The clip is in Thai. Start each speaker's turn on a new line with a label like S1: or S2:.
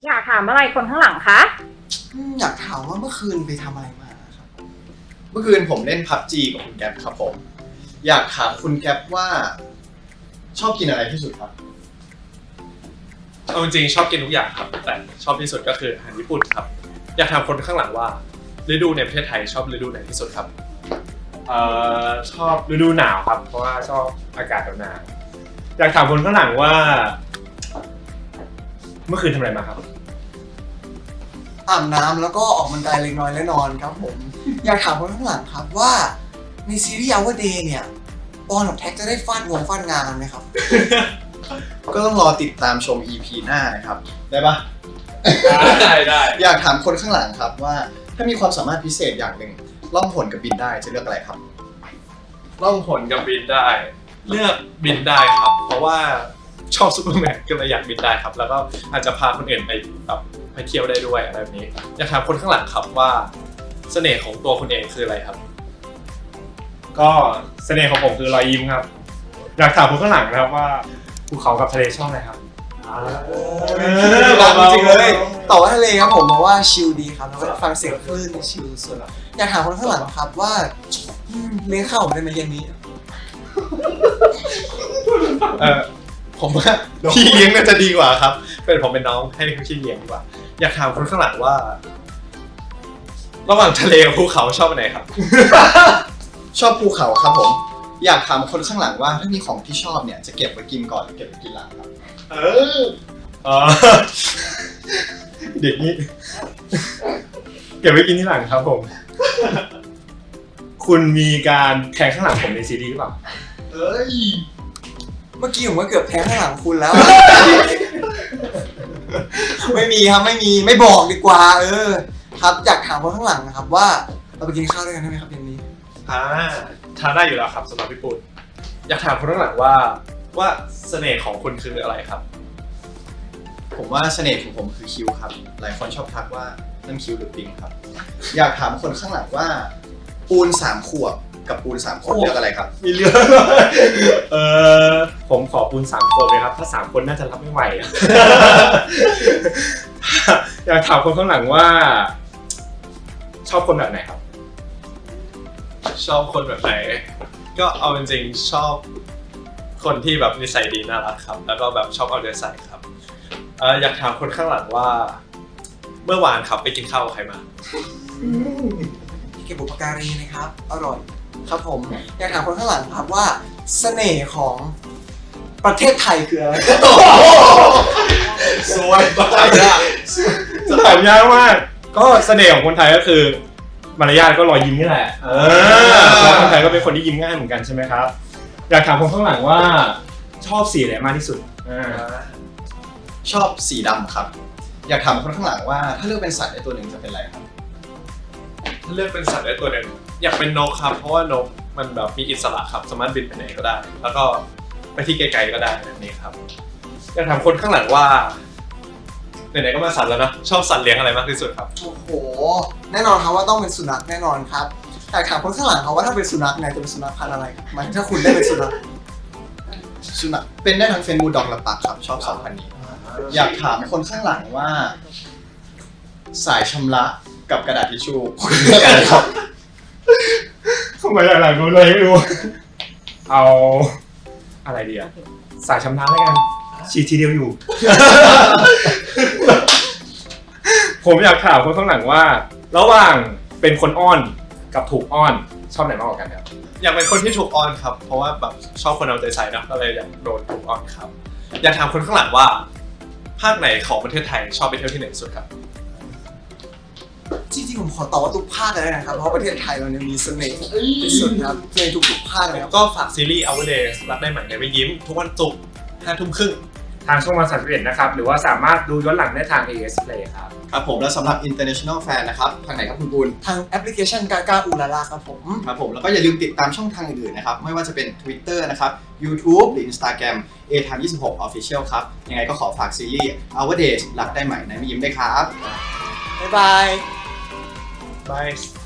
S1: อยากถามอะไรคนข้างหลังคะ
S2: อยากถามว่าเมื่อคืนไปทำอะไรมาครับ
S3: เมื่อคืนผมเล่น PUBG กับคุณแก๊ปครับผม อยากถามคุณแก๊ปว่าชอบกินอะไรที่สุดครับ
S4: เอาจริงๆชอบกินทุกอย่างครับ แต่ชอบที่สุดก็คืออาหารญี่ปุ่นครับ อยากถามคนข้างหลังว่าฤดูในประเทศไทยชอบฤดูไหนที่สุดครับชอบฤดูหนาวครับ เพราะว่าชอบอากาศหนาวๆอยากถามคนข้างหลังว่า เมื่อคืนทำอะไรมาครับ
S2: อาบน้ำแล้วก็ออกกำลังกายเล็กน้อยและนอนครับผม อยากถามคนข้างหลังครับว่าในซีรีส์ Our Day เนี่ยปอนกับแท็กจะได้ฟาดงานไหมครับ
S3: ก็ต้องรอติดตามชม EP หน้านะครับ ได้ปะ
S4: ได้
S3: อยากถามคนข้างหลังครับว่าถ้ามีความสามารถพิเศษอย่างหนึ่งล่องหนกับบินได้จะเลือกอะไรครับ
S4: ล่องหนกับบินได้ เลือกบินได้ครับ เพราะว่าชอบซูเปอร์แมนก็เลยอยากบินได้ครับ แล้วก็อาจจะพาคนอื่นไปแบบไปเที่ยวได้ด้วยอะไรแบบนี้ อยากถามคนข้างหลังครับว่าเสน่ห์ของตัวคุณเองคืออะไรครับ ก็เสน่ห์ของผมคือรอยยิ้มครับ อยากถามคนข้างหลังนะครับว่าภูเขากับทะเลชอบอะไรครับ
S2: รักจริงๆเลยต่อว่าทะเลครับผมเพราะว่าชิลดีครับแล้วก็ฟังเสียงคลื่นชิลสุดอยากถามคนข้างหลังครับว่าเลี้ยงข้าวผมได้ไหมเย็นนี้
S3: ผมว่าพี่เลี้ยงน่าจะดีกว่าครับ
S4: เป็นผมเป็นน้องให้พี่เลี้ยงดีกว่า อยากถามคนข้างหลังว่า ระหว่างทะเลกับภูเขาชอบอันไหนครับ
S3: ชอบภูเขาครับผม อยากถามคนข้างหลังว่าถ้ามีของที่ชอบเนี่ยจะเก็บไว้กินก่อนหรือเก็บไว้กินหลังครับ
S4: เออเด็กนี่เก็บไว้กินที่หลังครับผม คุณมีการแทงข้างหลังผมในซีรีส์หรือเปล่า
S3: เอ้ย
S2: เมื่อกี้ผมก็เกือบแทงข้างหลังคุณแล้ว ไม่มีครับไม่บอกดีกว่าครับอยากถามคนข้างหลังนะครับว่าเราไปกินข้าวด้วยกันได้ไหมครับเย็นนี้
S4: ทานได้อยู่แล้วครับสำหรับพี่ปุ่นอยากถามคนข้างหลังว่าเสน่ห์ของคุณคืออะไรครับ
S3: ผมว่าเสน่ห์ของผมคือคิ้วครับ หลายคนชอบทักว่านั่นคิ้วหรือปิงครับ อยากถามคนข้างหลังว่า ปูน3 ขวบกับปูน3 คนเลือกอะไรครับ
S4: มีเรื่องผมขอปูน3 คนเลยครับ ถ้า3 คนน่าจะรับไม่ไหว อยากถามคนข้างหลังว่า ชอบคนแบบไหนครับ ชอบคนแบบไหน ก็เอาจริงๆชอบคนที่แบบนิสัยดีน่ารักครับ แล้วก็แบบชอบเอาใจใส่ครับอยากถามคนข้างหลังว่า เมื่อวานครับไปกินข้าวกับใครมา
S2: ที่เก็บบุปการีนะครับอร่อยครับผมอยากถามคนข้างหลังครับว่าเสน่ห์ของประเทศไทยคืออะไร
S4: สวยมากจะถามยากมากก็เสน่ห์ของคนไทยก็คือมารยาทก็รอยยิ้มนี่แหละแล้วคนไทยก็เป็นคนที่ยิ้มง่ายเหมือนกันใช่ไหมครับ อยากถามคนข้างหลังว่าชอบสีอะไรมากที่สุด
S3: ชอบสีดำครับ อยากถามคนข้างหลังว่าถ้าเลือกเป็นสัตว์ได้ตัวหนึ่งจะเป็นอะไรครับ
S4: ถ้าเลือกเป็นสัตว์ได้ตัวหนึ่งอยากเป็นนกครับเพราะว่านกมันแบบมีอิสระครับสามารถบินไปไหนก็ได้ แล้วก็ไปที่ไกลๆก็ได้แบบนี้ครับอยากถามคนข้างหลังว่าไหนๆก็มาสัตว์แล้วนะชอบสัตว์เลี้ยงอะไรมากที่สุดครับ
S2: โอ้โหแน่นอนครับว่าต้องเป็นสุนัขแน่นอนครับอยากถามคนข้างหลังครับว่าถ้าเป็นสุนัขเนี่ยจะเป็นสุนัขพันธุ์อะไรครับหมายถึงถ้าคุณได้เป็นสุนัข
S3: สุนัขเป็นได้ทั้งเฟนบูลด็อกและปักครับ ชอบ2 พันธุ์นี้ อยากถามคนข้างหลังว่า สายชำระกับกระดาษทิชชู่คุณเลือกอะไรครับ
S4: ทำไมหลังๆรู้เลยไม่รู้ เอาอะไรดีอะสายชำระแล้วกันฉีดทีเดียวอยู่ ผมอยากถามคนข้างหลังว่า ระหว่างเป็นคนอ้อนกับถูกอ้อนชอบไหนมากกว่ากันครับอยากเป็นคนที่ถูกอ้อนครับ เพราะว่าแบบชอบคนเอาใจใส่นะก็เลยอยากโดนถูกอ้อนครับ อยากถามคนข้างหลังว่า ภาคไหนของประเทศไทยชอบไปเที่ยวที่ไหนสุดครับ
S2: จริงๆผมขอตอบว่าทุกภาคเลยนะครับเพราะประเทศไทยเราเนี่ยมีเสน่ห์ที่สุดครับในทุกๆภาคเลยครับ
S4: ก็ฝากซีรีส์ Our Days รักได้ใหม่ในไม่ยิ้ม ทุกวันศุกร์ 5 ทุ่มครึ่งทางช่องวัน31นะครับ หรือว่าสามารถดูย้อนหลังได้ทาง AS Play ครับ
S3: ครับผมแล้วสำหรับ international fan นะครับ ทางไหนครับคุณปูน
S2: ทางแอปพลิเคชันกากาอูลาลาครับผม
S3: ครับผมแล้วก็อย่าลืมติดตามช่องทางอื่นๆนะครับ ไม่ว่าจะเป็น Twitter นะครับ YouTube หรือ Instagram A-Time26 Official ครับ ยังไงก็ขอฝากซีรีส์ Our Days รักได้ใหม่ในไม่ยิ้มด้วยครับ
S2: บ๊ายบาย
S4: Bye